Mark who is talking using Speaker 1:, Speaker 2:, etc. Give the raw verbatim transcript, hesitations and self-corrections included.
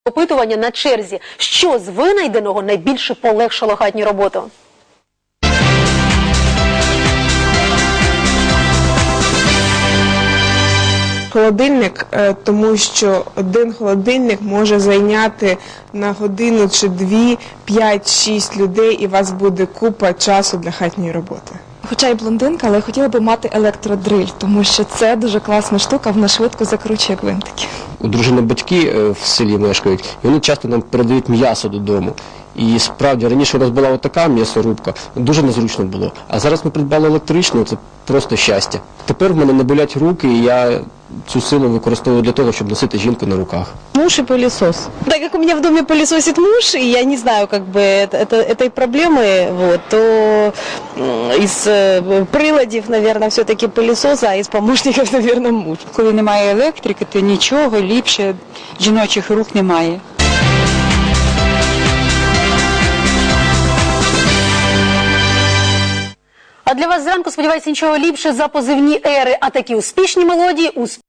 Speaker 1: Опитування на черзі. Що з винайденого найбільше полегшило хатню роботу?
Speaker 2: Холодильник, тому що один холодильник може зайняти на годину чи дві, п'ять-шість людей, і у вас буде купа часу для хатньої роботи.
Speaker 3: Хоча й блондинка, але хотіла би мати електродриль, тому що це дуже класна штука, вона швидко закручує гвинтики.
Speaker 4: У дружини батьки в селі мешкають, і вони часто нам передають м'ясо додому. І справді, раніше у нас була отака м'ясорубка, дуже незручно було. А зараз ми придбали електричну, це просто щастя. Тепер в мене не болять руки, і я цю силу використовую для того, щоб носити жінку на руках.
Speaker 5: Муж и пылесос. Так как у меня в доме пылесосит муж, и я не знаю, как бы, это, это, этой проблемы, вот, то из э, приладів, наверное, все-таки пылесос, а из помощников, наверное, муж.
Speaker 6: Коли немає електрики, то нічого ліпше жіночих рук немає.
Speaker 1: А для вас зранку, сподіваюся, нічого ліпше за позивні ери, а такі успішні мелодії у